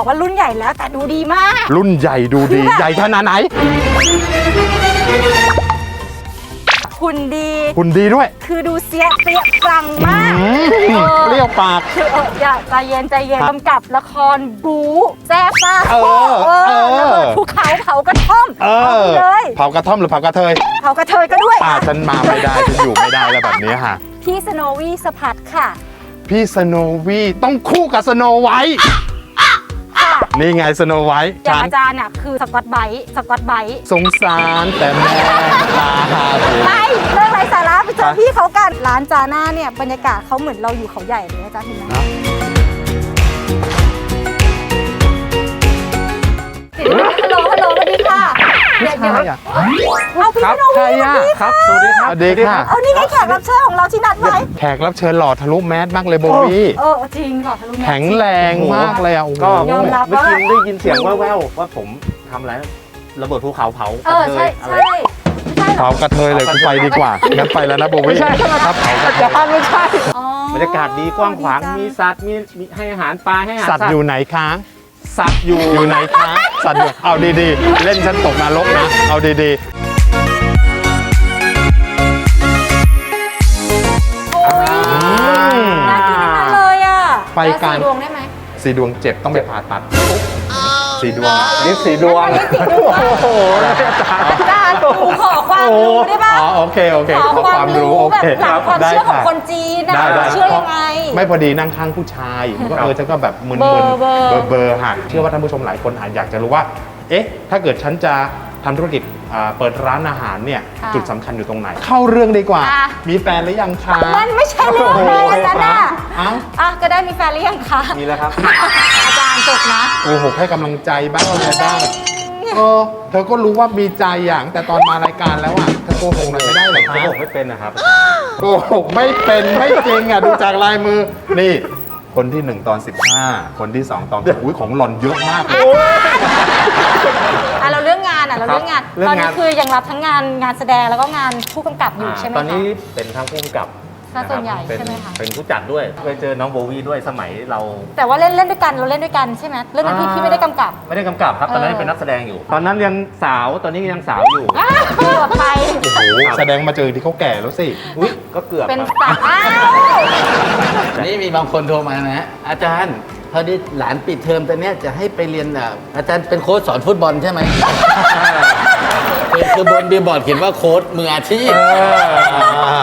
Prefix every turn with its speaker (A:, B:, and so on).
A: บอกว่ารุ่นใหญ่แล้วแต่ดูดีมาก
B: รุ่นใหญ่ดูดีใหญ่ขนาดไหน
A: หุ่นดี
B: หุ่นดีด้วย
A: คือดูเสียเปรี้ยปรังมาก
B: เปรี้ยวปาก
A: คืออย่าใจเย็นกำกับละครบู๊แซ่บซ่าภูเขาเผากระท่อมเลย
B: เผากระท่อมหรือเผากระเทย
A: เผากระเทยก็ด้วย
B: ฉันมาไม่ได้ฉันอยู่ไม่ได้แล้วแบบนี้ค่ะ
A: พี่สโนวี่สะพัดค่ะ
B: พี่สโนวี่ต้องคู่กับสโนไวท์นี่ไงสโนไวท์
A: อย่างอาจารย์น่ะคือสกอตไบท์
B: สงสารแต่แม่ตา
A: ไม่เรื่องไรสาระไปเจอพี่เขากันร้านจาน่าเนี่ยบรรยากาศเขาเหมือนเราอยู่เขาใหญ่เลยอาจารย์เห็นไหมฮัลโหลสวัสดีค่ะเดี๋ยวเอาพี่สโนวี่
B: ครับสวัสดีครับสวัสดีค่ะ
A: เอานี่ไงแขกรับเชิญของเราที่นัดไว้
B: แขกรับเชิญหล่อทะลุแมสมากเลยโบวี่
A: จริงหล่อทะลุแมส
B: แข็งแรงมากเลยอ่ะ
C: ก็เมื่อกี้ได้ยินเสียงแว่วๆว่าผมทำอะไรระเบิดภูเขาเผา
A: ใช่
B: เผากระเทยเลยกูไปดีกว่างั้นไปแล้วนะโบวี่
C: ครับเผากระเทยไม่ใช่บรรยากาศดีกว้างขวางมีสัตว์มีให้อาหารปลาให้อาหาร
B: สัตว์อยู่ไหนคะ
C: สัตว์
B: อยู่ไหนคะสัตว์อยู่เอาดีๆเล่นฉันตกนรกนะเอาดีๆ
A: น่ากินทั้งนั้นเลยอ่ะ
B: ไปการ
A: 4 ดวงได้ไหม
B: 4 ดวงเจ็บต้องไปผ่าตัด4 ดวง
C: เรียก4 ดวงโอ้โห
A: อาจารย์หนูขอความรู้ได้ป่ะ
B: โอเคขอความรู้โอเค
A: หลักความเชื่อของคนจีนนะเชื่อยังไง
B: ไม่พอดีนั่งข้างผู้ชายก็ฉันก็แบบมึนๆเบอร์หักเชื่อว่าท่านผู้ชมหลายคนอาจอยากจะรู้ว่าเอ๊ะถ้าเกิดฉันจะทำธุรกิจเปิดร้านอาหารเนี่ยจุดสำคัญอยู่ตรงไหนเข้าเรื่องดีกว่ามีแฟนหรือยังคะ
A: มันไม่ใช่เรื่องเลยอาจารย์ก็ได้มีแฟนหรือยังคะ
C: มีแล้วครับ
A: อาจารย์จบนะ
B: โกหกให้กำลังใจบ้างอะไรบ้างเธอก็รู้ว่ามีใจอย่างแต่ตอนมารายการแล้วอ่ะเธอโกหกหน่อยไม่ได้หรอคะ
C: โกหกไม่เป็นนะครับ
B: โกหกไม่เป็นไม่จริงอ่ะดูจากลายมือนี่คนที่1ตอน15คนที่2ตอนของหล่อนเยอะมากเลย
A: เราเรื่องงานตอนนี้คือยังรับทั้งงานแสดงแล้วก็งานผู้กำกับอยู่ใช่ไหมคะ
C: ตอนนี้เป็นทั้งผู้กำกับ
A: ส่วนใหญ่ใช่ไหมคะ
C: เป็นผู้จัดด้วยเคยเจอน้องโบวี่ด้วยสมัยเรา
A: แต่ว่าเล่นด้วยกันเราเล่นด้วยกันใช่ไหมเรื่องนั้นพี่ไม่ได้กำกับ
C: ครับตอนนั้นเป็นนักแสดงอยู่ตอนนั้นยังสาวตอนนี้ยังสาวอยู่
A: เกือบไป
B: โอ้โหแสดงมาเจอที่เขาแก่แล้วสิ
C: ก็เกือบ
A: เป็นสาว
D: นี่มีบางคนโทรมานะอาจารย์พอดีหลานปิดเทอมตอนนี้จะให้ไปเรียนอาจารย์เป็นโค้ชสอนฟุตบอลใช่ไหมคือบนบิลบอร์ดเขียนว่าโค้ชมืออาชีพ